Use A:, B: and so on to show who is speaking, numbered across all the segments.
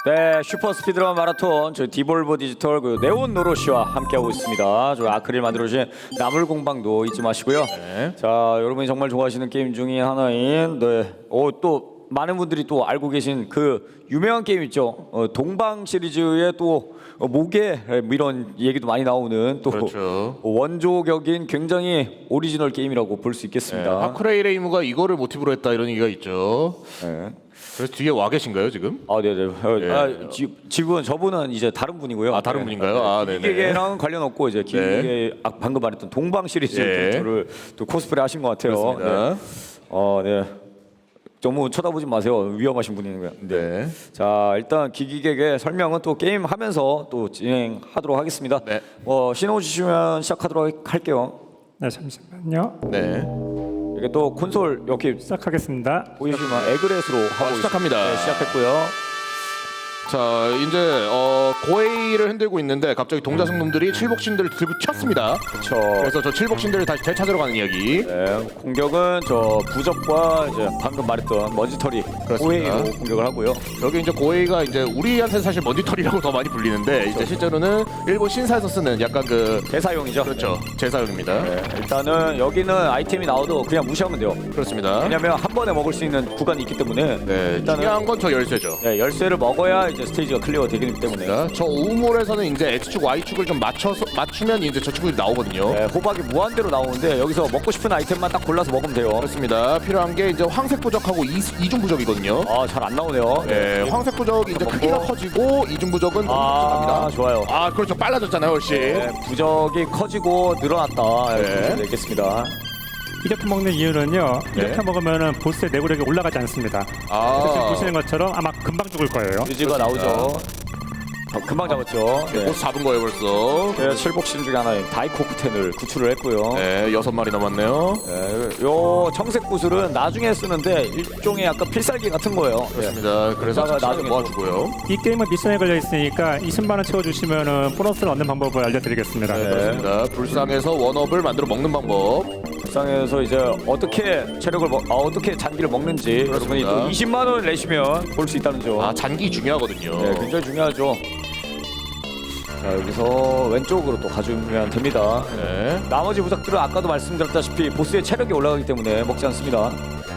A: 네, 슈퍼 스피드런 마라톤 저희 디볼버 디지털 그 네온 노로시와 함께하고 있습니다. 저희 아크릴 만들어주신 나물 공방도 잊지 마시고요.
B: 네.
A: 자, 여러분이 정말 좋아하시는 게임 중에 하나인 또 많은 분들이 또 알고 계신 그 유명한 게임 있죠. 동방 시리즈의 또 모계 이런 얘기도 많이 나오는 또
B: 그렇죠.
A: 원조격인 굉장히 오리지널 게임이라고 볼 수 있겠습니다.
B: 하크레이레이무가 이거를 모티브로 했다 이런 얘기가 있죠.
A: 네.
B: 그래서 뒤에 와 계신가요 지금?
A: 아, 네네.
B: 네.
A: 지금 저분은 이제 다른 분이고요.
B: 아 다른 분인가요? 아 네네.
A: 기계랑 관련 없고 이제 기계 방금 말했던 동방 시리즈
B: 네.
A: 저를 또 코스프레 하신 것 같아요.
B: 그렇습니다.
A: 네. 너무 쳐다보지 마세요. 위험하신 분이고요.
B: 네.
A: 자, 일단 기기객의 설명은 또 게임 하면서 또 진행하도록 하겠습니다.
B: 네.
A: 신호 주시면 시작하도록 할게요.
C: 네, 잠시만요.
B: 네.
A: 이게 또 콘솔 여기
C: 시작하겠습니다.
A: 보이시면 에그렛으로 하고
B: 시작합니다.
A: 있습니다. 네, 시작했고요.
B: 자 이제 고에이를 흔들고 있는데 갑자기 동자승 놈들이 칠복신들을 들고 튀었습니다.
A: 그렇죠.
B: 그래서 저 칠복신들을 다시 되찾으러 가는 이야기.
A: 네, 공격은 저 부적과 이제 방금 말했던 먼지털이
B: 그렇습니다.
A: 호에이로 공격을 하고요.
B: 여기 이제 고에이가 이제 우리한테 사실 먼지털이라고 더 많이 불리는데 이제 실제로는 일본 신사에서 쓰는 약간 그
A: 대사용이죠.
B: 그렇죠 제사용입니다.
A: 네, 일단은 여기는 아이템이 나와도 그냥 무시하면 돼요.
B: 그렇습니다.
A: 왜냐면 한 번에 먹을 수 있는 구간이 있기 때문에
B: 네,
A: 일단은
B: 중요한 건 저 열쇠죠.
A: 네, 열쇠를 먹어야 이제 스테이지가 클리어가 되기 때문에
B: 저 우물에서는 이제 X축, Y축을 좀 맞추면 이제 저 친구들이 나오거든요.
A: 네, 호박이 무한대로 나오는데 여기서 먹고 싶은 아이템만 딱 골라서 먹으면 돼요.
B: 그렇습니다. 필요한 게 이제 황색 부적하고 이중 부적이거든요.
A: 아, 잘 안 나오네요.
B: 네, 황색 부적이 이제 크기가 커지고 이중 부적은
A: 아, 좋아요.
B: 아, 그렇죠. 빨라졌잖아요, 훨씬.
A: 네, 부적이 커지고 늘어났다.
B: 네.
A: 이렇게 되겠습니다.
C: 이렇게 먹는 이유는요.
B: 네.
C: 이렇게 먹으면 보스의 내구력이 올라가지 않습니다. 지금
B: 아,
C: 보시는 것처럼 아마 금방 죽을 거예요.
A: 유지가 나오죠. 금방 잡았죠. 네.
B: 보스 잡은 거예요, 벌써.
A: 네, 칠복신 중에 하나인 다이코쿠텐을 구출을 했고요.
B: 네, 6마리 남았네요.
A: 네, 요 청색 구슬은 나중에 쓰는데 일종의 약간 필살기 같은 거예요.
B: 그렇습니다. 그래서
A: 이따가
B: 나중에
A: 나중에
B: 모아주고요.
C: 이 게임은 미션에 걸려 있으니까 20만 원 채워주시면은 보너스를 얻는 방법을 알려드리겠습니다.
A: 네.
B: 그렇습니다. 불상에서 원업을 만들어 먹는 방법.
A: 불쌍해서 이제 어떻게 체력을 어떻게 잔기를 먹는지 여러분이
B: 그렇습니다.
A: 또 20만 원 내시면 볼 수 있다는 점.
B: 아, 잔기 중요하거든요.
A: 네, 굉장히 중요하죠. 자, 여기서 왼쪽으로 또 가주면 됩니다.
B: 네.
A: 나머지 부적들은 아까도 말씀드렸다시피 보스의 체력이 올라가기 때문에 먹지 않습니다.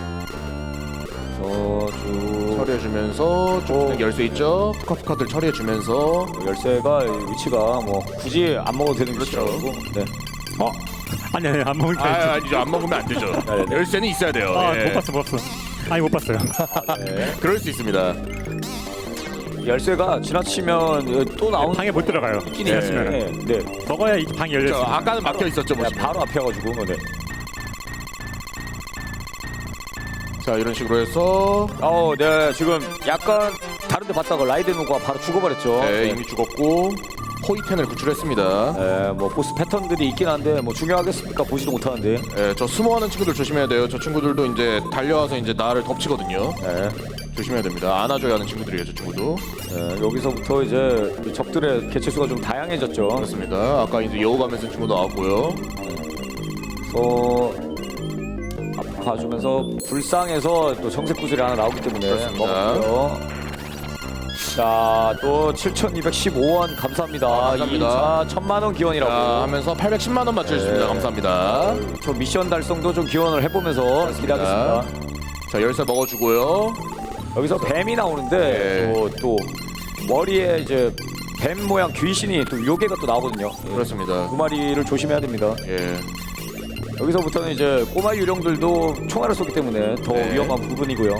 A: 그래서 쭉
B: 처리해주면서 좀 열쇠 있죠? 푸카푸카들 처리해주면서
A: 열쇠가 위치가 뭐 굳이 안 먹어도 되는
B: 그렇죠.
A: 위치라고. 네.
C: 아니 안 먹으니까.
B: 아니죠. 안 먹으면 안 되죠.
A: 네네.
B: 열쇠는 있어야 돼요. 예.
C: 못 봤어. 아니 못 봤어요.
A: 네.
B: 그럴 수 있습니다.
A: 열쇠가 지나치면 또 나오는
C: 방에 못 들어가요.
A: 있긴
B: 네.
A: 있으면 네.
C: 먹어야 이 방이 열려
B: 저
C: 있어요.
B: 아까는 막혀 있었죠,
A: 네,
B: 보시면.
A: 바로 앞에 가지고 네.
B: 자, 이런 식으로 해서
A: 네, 지금 약간 다른데 봤다가 라이덴호가 바로 죽어버렸죠.
B: 네, 이미 죽었고 포이텐을 구출했습니다.
A: 네, 뭐 보스 패턴들이 있긴 한데 뭐 중요하겠습니까? 보지도 못하는데.
B: 네, 저 숨어하는 친구들 조심해야 돼요. 저 친구들도 이제 달려와서 이제 나를 덮치거든요.
A: 네,
B: 조심해야 됩니다. 안아줘야 하는 친구들이에요, 저 친구도.
A: 네, 여기서부터 이제 이 적들의 개체수가 좀 다양해졌죠.
B: 그렇습니다. 아까 이제 여우가면서 친구 나왔고요.
A: 그래서 앞 봐주면서 불쌍해서 또 청색 구슬이 하나 나오기 때문에
B: 그렇습니다.
A: 먹었고요. 자, 또 7,215원 감사합니다.
B: 감사합니다.
A: 2차 1,000만 원 기원이라고.
B: 하면서 810만 원 맞춰주셨습니다.
A: 네.
B: 감사합니다.
A: 저 미션 달성도 좀 기원을 해보면서 기대하겠습니다.
B: 자, 열쇠 먹어주고요.
A: 여기서 뱀이 나오는데
B: 네.
A: 또 머리에 이제 뱀 모양 귀신이 또 요괴가 또 나오거든요. 예.
B: 그렇습니다.
A: 두 마리를 조심해야 됩니다.
B: 예.
A: 여기서부터는 이제 꼬마 유령들도 총알을 쏘기 때문에 더
B: 네.
A: 위험한 부분이고요.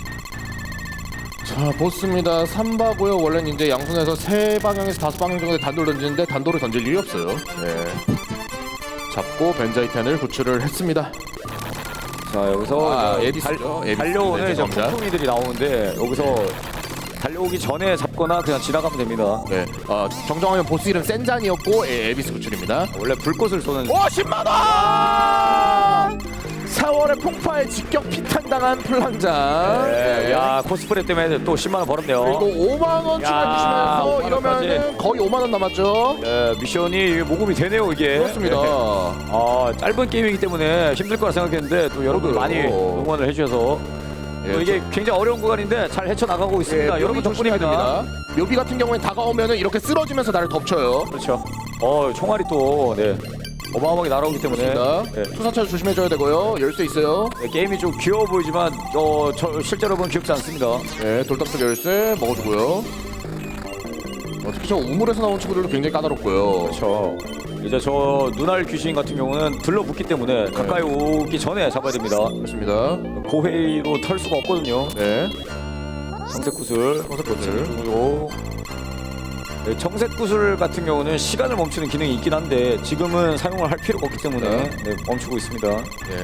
B: 자, 보스입니다. 3바고요. 원래는 이제 양손에서 3방향에서 5방향 정도의 단도를 던지는데 단도를 던질 일이 없어요. 네. 잡고 벤자이텐을 구출을 했습니다.
A: 자, 여기서 이제
B: 에비스죠. 에비스.
A: 달려오는
B: 네,
A: 이제
B: 죄송합니다.
A: 폭풍이들이 나오는데 여기서 달려오기 전에 잡거나 그냥 지나가면 됩니다.
B: 네. 정정하면 보스 이름 센잔이었고 에비스 구출입니다.
A: 원래 불꽃을 쏘는
B: 50만 원! 4월에 폭파에 직격 피탄당한 플랑장.
A: 네, 야, 코스프레 때문에 또 10만 원 벌었네요.
B: 그리고 5만 원 추가해주시면서
A: 5만 원까지.
B: 이러면은 거의 5만 원 남았죠.
A: 네, 미션이 모금이 되네요, 이게.
B: 그렇습니다.
A: 네. 짧은 게임이기 때문에 힘들 거라 생각했는데 또 여러분
B: 그러게요.
A: 많이 응원을 해주셔서
B: 예,
A: 이게 굉장히 어려운 구간인데 잘 헤쳐나가고 있습니다.
B: 예,
A: 여러분
B: 묘비 조심해야
A: 덕분입니다.
B: 됩니다. 묘비 같은 경우에는 다가오면은 이렇게 쓰러지면서 나를 덮쳐요.
A: 그렇죠. 총알이 또 네, 어마어마하게 날아오기 때문에
B: 그렇습니다.
A: 네.
B: 투사차 조심해줘야 되고요. 열쇠 있어요.
A: 네, 게임이 좀 귀여워 보이지만 저 실제로 보면 귀엽지 않습니다.
B: 네, 돌담쪽 열쇠 먹어주고요. 특히 저 우물에서 나온 친구들도 굉장히 까다롭고요.
A: 그렇죠. 이제 저 눈알 귀신 같은 경우는 들러붙기 때문에 가까이 오기 전에 잡아야 됩니다.
B: 그렇습니다.
A: 고회로 털 수가 없거든요.
B: 네,
A: 청색구슬, 청색구슬. 네, 청색구슬 같은 경우는 시간을 멈추는 기능이 있긴 한데 지금은 사용을 할 필요가 없기 때문에 네, 멈추고 있습니다.
B: 네.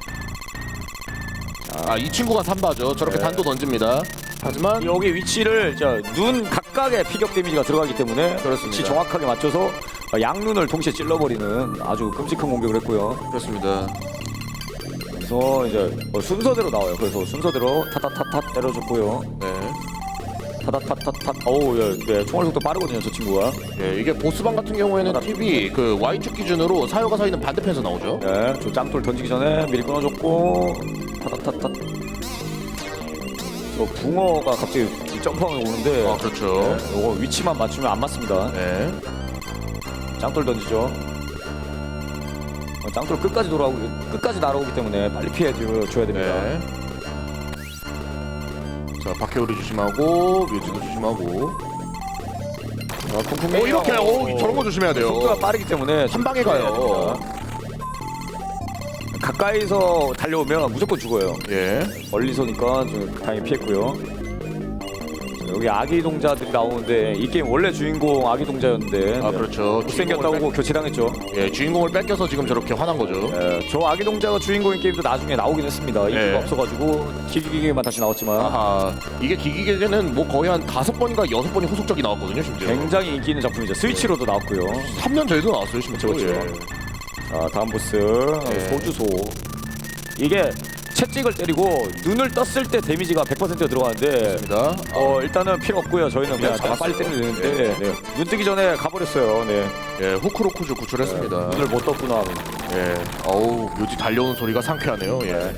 B: 이 친구가 삼바죠. 저렇게
A: 네.
B: 단도 던집니다. 하지만
A: 여기 위치를 눈 각각의 피격 데미지가 들어가기 때문에
B: 그렇습니다.
A: 위치 정확하게 맞춰서 양눈을 동시에 찔러버리는 아주 끔찍한 공격을 했고요.
B: 그렇습니다.
A: 그래서 이제 순서대로 나와요. 그래서 순서대로 타타타타 때려줬고요.
B: 네.
A: 타타타타타. 어우, 네, 총알 속도 빠르거든요, 저 친구가.
B: 네, 이게 보스방 같은 경우에는 팁이 그 Y축 기준으로 사요가 서 있는 반대편에서 나오죠.
A: 네, 저 짱돌 던지기 전에 미리 끊어줬고 타타타타. 저 붕어가 갑자기 점프하면 오는데.
B: 아, 그렇죠.
A: 네, 이거 위치만 맞추면 안 맞습니다.
B: 네.
A: 짱돌 던지죠. 짱돌 끝까지 날아오기 때문에 빨리 피해 줘야 됩니다.
B: 네. 자, 박해오리 조심하고 묘지도 조심하고. 이렇게 저런 거 조심해야 돼요.
A: 속도가 빠르기 때문에
B: 한 방에 가요.
A: 가까이서 달려오면 무조건 죽어요.
B: 예.
A: 멀리서니까 좀 다행히 피했고요. 여기 아기 동자들이 나오는데 이 게임 원래 주인공 아기 동자였는데
B: 그렇죠.
A: 못생겼다고 교체당했죠.
B: 예, 주인공을 뺏겨서 지금 저렇게 화난 거죠.
A: 저 아기 동자가 주인공인 게임도 나중에 나오긴 했습니다. 인기가
B: 네.
A: 없어가지고 기기기만 다시 나왔지만
B: 아하, 이게 기기계는 뭐 거의 한 5번인가 6번이 후속작이 나왔거든요, 심지어.
A: 굉장히 인기 있는 작품이죠. 스위치로도 나왔고요.
B: 3년 전에도 나왔어요, 심지어.
A: 그렇죠.
B: 예.
A: 자, 다음 보스 소주소. 이게 채찍을 때리고 눈을 떴을 때 데미지가 100% 들어가는데
B: 입니다.
A: 일단은 필요 없고요. 저희는 그냥
B: 잡았어요.
A: 빨리 때리면 되는데 눈 뜨기 전에 가버렸어요. 네.
B: 예, 후크로쿠즈 구출했습니다.
A: 눈을 못 떴구나.
B: 예. 어우, 묘지 달려오는 소리가 상쾌하네요. 예.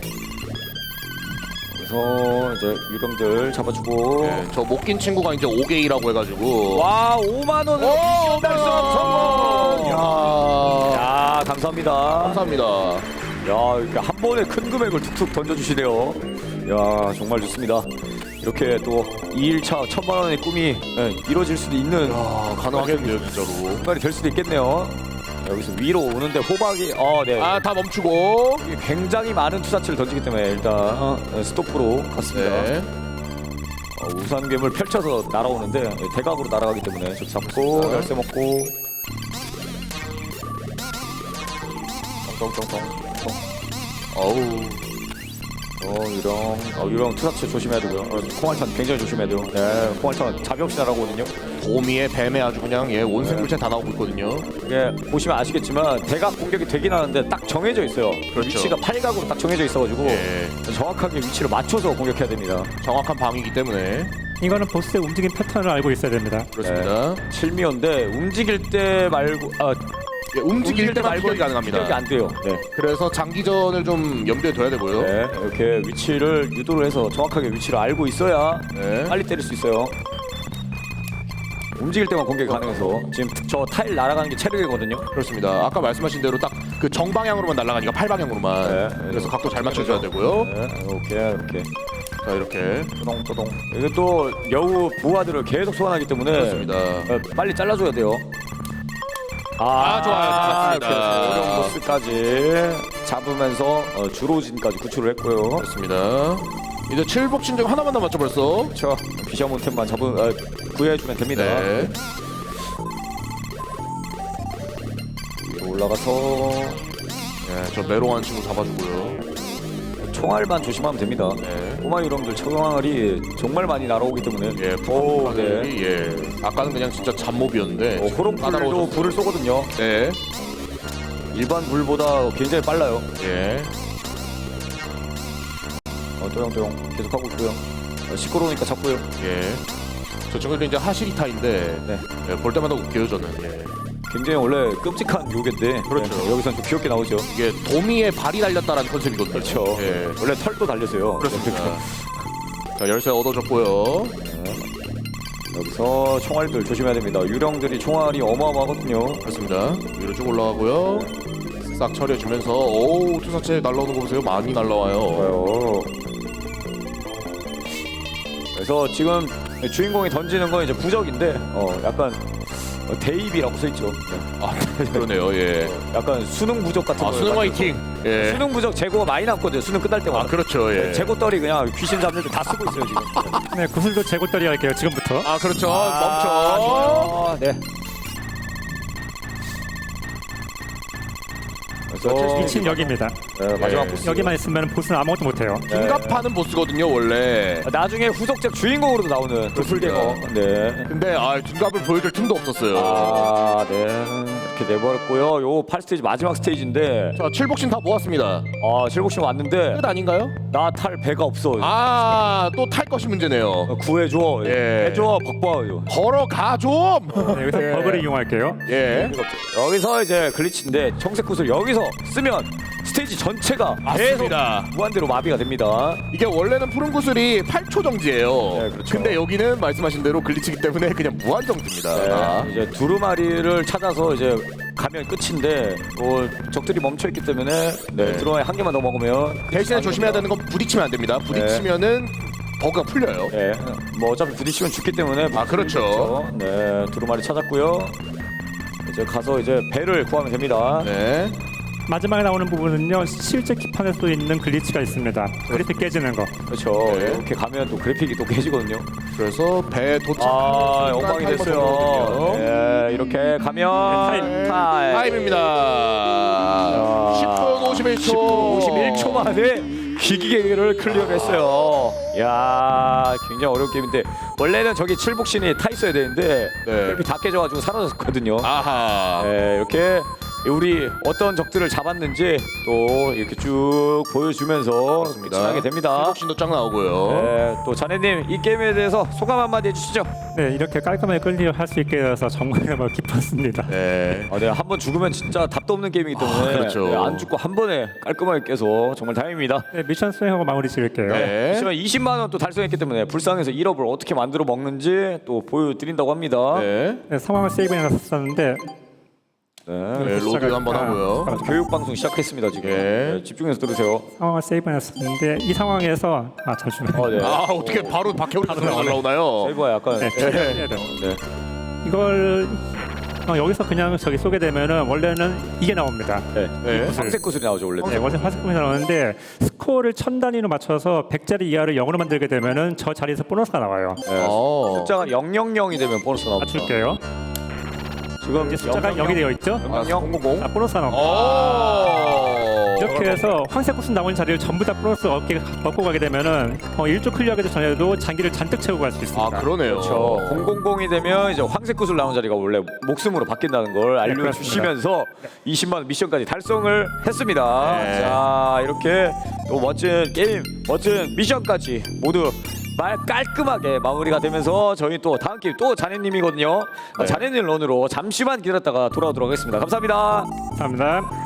A: 그래서 이제 유령들 잡아주고
B: 예, 저 못 낀 친구가 이제 5게이라고 해가지고.
A: 와 5만 원 미션 달성 성공. 야 감사합니다.
B: 감사합니다.
A: 야 이렇게 한 번에 큰 금액을 툭툭 던져주시네요. 야 정말 좋습니다. 이렇게 또 2일차 1000만 원의 꿈이 이루어질 수도 있는
B: 가능하겠네요, 진짜로.
A: 순간이 될 수도 있겠네요. 여기서 위로 오는데 호박이 네.
B: 다 멈추고.
A: 이게 굉장히 많은 투사체를 던지기 때문에 일단 스톱으로 갔습니다.
B: 네.
A: 우산 괴물 펼쳐서 날아오는데 대각으로 날아가기 때문에 저 잡고
B: 네.
A: 열쇠 먹고 똥똥똥똥
B: 어우.
A: 유령 투사체 조심해야 되고요. 콩알탄 굉장히 조심해야 돼요. 네, 콩알탄 자비 없이 날아오거든요.
B: 도미에 뱀에 아주 그냥 온 생물체 다 나오고 있거든요.
A: 이게 보시면 아시겠지만 대각 공격이 되긴 하는데 딱 정해져 있어요.
B: 그렇죠.
A: 위치가 팔각으로 딱 정해져 있어가지고
B: 예.
A: 정확하게 위치를 맞춰서 공격해야 됩니다.
B: 정확한 방이기 때문에.
C: 이거는 보스의 움직임 패턴을 알고 있어야 됩니다.
B: 그렇습니다.
A: 칠미언데 움직일 때 말고
B: 예, 움직일 때만
A: 말고
B: 피격이 가능합니다.
A: 피격이 안 돼요. 네.
B: 그래서 장기전을 좀 염두에 둬야 되고요.
A: 네, 이렇게 위치를 유도를 해서 정확하게 위치를 알고 있어야
B: 네.
A: 빨리 때릴 수 있어요. 움직일 때만 공격이 가능해서 지금 저 타일 날아가는 게 체력이거든요.
B: 그렇습니다. 아까 말씀하신 대로 딱 그 정방향으로만 날아가니까 팔방향으로만.
A: 네.
B: 그래서 각도 잘 맞춰줘야 되고요.
A: 네, 이렇게
B: 자, 이렇게.
A: 또동또동. 이게 또 여우 부하들을 계속 소환하기 때문에
B: 그렇습니다.
A: 빨리 잘라줘야 돼요.
B: 좋아요. 잘랐습니다.
A: 이렇게 어려운 보스까지 잡으면서 주로진까지 구출을 했고요.
B: 그렇습니다. 이제 칠복신정 하나만 남았죠 벌써.
A: 그렇죠. 비셔몬템만 구해주면 됩니다.
B: 네.
A: 위로 올라가서
B: 저 메롱한 친구 잡아주고요.
A: 총알만 조심하면 됩니다.
B: 네.
A: 꼬마 유령들 총알이 정말 많이 날아오기 때문에
B: 예,
A: 오,
B: 네. 예. 아까는 그냥 진짜 잡몹이었는데.
A: 호롱불도
B: 까다로워졌어요.
A: 불을 쏘거든요.
B: 네.
A: 일반 불보다 굉장히 빨라요.
B: 예.
A: 또영또영 계속 하고 있고요. 시끄러우니까 잡고요.
B: 예. 저 친구들이 이제 하시리타인데
A: 네.
B: 예, 볼 때마다 웃겨요 저는. 예.
A: 굉장히 원래 끔찍한 요괴인데
B: 그렇죠.
A: 네, 여기서는 좀 귀엽게 나오죠.
B: 이게 도미의 발이 달렸다라는 컨셉이거든요.
A: 그렇죠.
B: 예.
A: 원래 털도 달렸어요.
B: 그렇습니다. 자, 열쇠 얻어줬고요.
A: 여기서 총알들 조심해야 됩니다. 유령들이 총알이 어마어마하거든요.
B: 그렇습니다. 위로 쭉 올라가고요. 싹 처리해주면서 오우 투사체 날라오는 거 보세요. 많이 날라와요.
A: 좋아요. 그래서 지금 주인공이 던지는 건 이제 부적인데 약간 대입이라고 써있죠. 네.
B: 아 그러네요. 예.
A: 약간 수능 부적 같은
B: 아
A: 거.
B: 수능 화이팅. 예.
A: 수능 부적 재고가 많이 남거든요. 수능 끝날
B: 아
A: 때마다.
B: 그렇죠. 예.
A: 재고 떨이 그냥 귀신 잡는 데 다 쓰고 있어요 지금.
C: 네, 구슬도 재고떨이 할게요. 지금부터.
B: 아 그렇죠. 멈춰.
A: 멈춰. 네. 그래서
C: 미친 여기입니다.
A: 네, 마지막
B: 예.
A: 보스.
C: 여기만 있으면 보스는 아무것도 못해요.
B: 긴갑하는 보스거든요 원래.
A: 나중에 후속작 주인공으로도 나오는 그
B: 그렇습니다.
A: 풀대거. 네.
B: 근데 긴갑을 보여줄 틈도 없었어요.
A: 아, 네. 이렇게 내버렸고요. 요 8스테이지 마지막 스테이지인데
B: 자 칠복신 다 모았습니다.
A: 실복신 왔는데
B: 끝 아닌가요?
A: 나 탈 배가 없어.
B: 또 탈 것이 문제네요.
A: 구해줘.
B: 예.
A: 해줘. 박보아요.
B: 걸어가 좀.
C: 네, 여기서 버그를 이용할게요.
B: 예.
A: 여기서 이제 글리치인데 청색 구슬 여기서 쓰면 스테이지 전체가 계속
B: 맞습니다.
A: 무한대로 마비가 됩니다.
B: 이게 원래는 푸른 구슬이 8초 정지예요.
A: 네, 그렇죠.
B: 근데 여기는 말씀하신 대로 글리치기 때문에 그냥 무한 정지입니다.
A: 네, 이제 두루마리를 찾아서 이제 가면 끝인데 적들이 멈춰 있기 때문에
B: 네.
A: 두루마리 한 개만 더 먹으면
B: 대신에 조심해야 되는 건 부딪히면 안 됩니다. 부딪히면은 버그가 풀려요.
A: 네, 뭐 어차피 부딪히면 죽기 때문에
B: 아, 그렇죠.
A: 그렇죠. 네, 두루마리 찾았고요. 이제 가서 이제 배를 구하면 됩니다.
B: 네.
C: 마지막에 나오는 부분은요. 실제 기판에도 있는 글리치가 있습니다. 그래픽 깨지는 거.
A: 그렇죠.
B: 네.
A: 이렇게 가면 또 그래픽이 또 깨지거든요.
B: 그래서 배 도착.
A: 엉망이 됐어요. 네, 이렇게 가면
B: 타임입니다. 10분 51초.
A: 10분 51초 만에 기기계를 클리어했어요. 야, 굉장히 어려운 게임인데 원래는 저기 칠복신이 타 있어야 되는데
B: 네.
A: 그래픽이 다 깨져가지고 사라졌거든요.
B: 아하.
A: 네, 이렇게 우리 어떤 적들을 잡았는지 또 이렇게 쭉 보여주면서 끝나게 됩니다.
B: 칠복신도 쫙 나오고요.
A: 네, 또 자네님 이 게임에 대해서 소감 한마디 해주시죠.
C: 네, 이렇게 깔끔하게 클리어할 수 있게 돼서 정말 기뻤습니다.
B: 네.
A: 네, 한 번 죽으면 진짜 답도 없는 게임이기 때문에
B: 그렇죠.
A: 네, 안 죽고 한 번에 깔끔하게 깨서 정말 다행입니다.
C: 네, 미션 수행하고 마무리 지을게요.
B: 네.
A: 하지만 20만 원 또 달성했기 때문에 불쌍해서 1업을 어떻게 만들어 먹는지 또 보여드린다고 합니다.
B: 네.
C: 네, 상황을 세이브해놨었는데
B: 네, 로드 한번 하고요.
A: 교육 방송 시작했습니다 지금.
B: 예.
A: 네, 집중해서 들으세요.
C: 상황을 세이브해놨었는데 이 상황에서 잠시만요.
A: 네.
B: 어떻게 바로 박해훈 선수가 올라오나요?
A: 세이버가 약간
C: 네, 해야 돼요.
A: 네.
C: 이걸 여기서 그냥 저기 쏘게 되면은 원래는 이게 나옵니다.
A: 네.
B: 네.
A: 황색 구슬이 나오죠 원래.
C: 네, 원래 화살표가 나오는데 스코어를 1000 단위로 맞춰서 100짜리 이하를 0으로 만들게 되면은 저 자리에서 보너스가 나와요.
A: 네.
B: 어.
A: 숫자가 000이 되면 보너스 나옵니다.
C: 맞출게요.
A: 지금
C: 이제 숫자가 0이 되어 있죠?
A: 000.
C: 보너스가 나옵니다.
B: 오.
C: 이렇게 해서 황색 구슬 나오는 자리를 전부 다 보너스 얻고 가게 되면은 1조 클리어하기 전에도 장기를 잔뜩 채우고 갈 수 있습니다.
B: 아 그러네요.
A: 그렇죠. 000이 되면 이제 황색 구슬 나온 자리가 원래 목숨으로 바뀐다는 걸 알려주시면서 20만 원 미션까지 달성을 했습니다.
B: 네.
A: 자, 이렇게 또 멋진 게임, 멋진 미션까지 모두 깔끔하게 마무리가 되면서 저희 또 다음 게임 또 자네님이거든요.
B: 네.
A: 자네님 런으로 잠시만 기다렸다가 돌아오도록 하겠습니다. 감사합니다.
C: 감사합니다.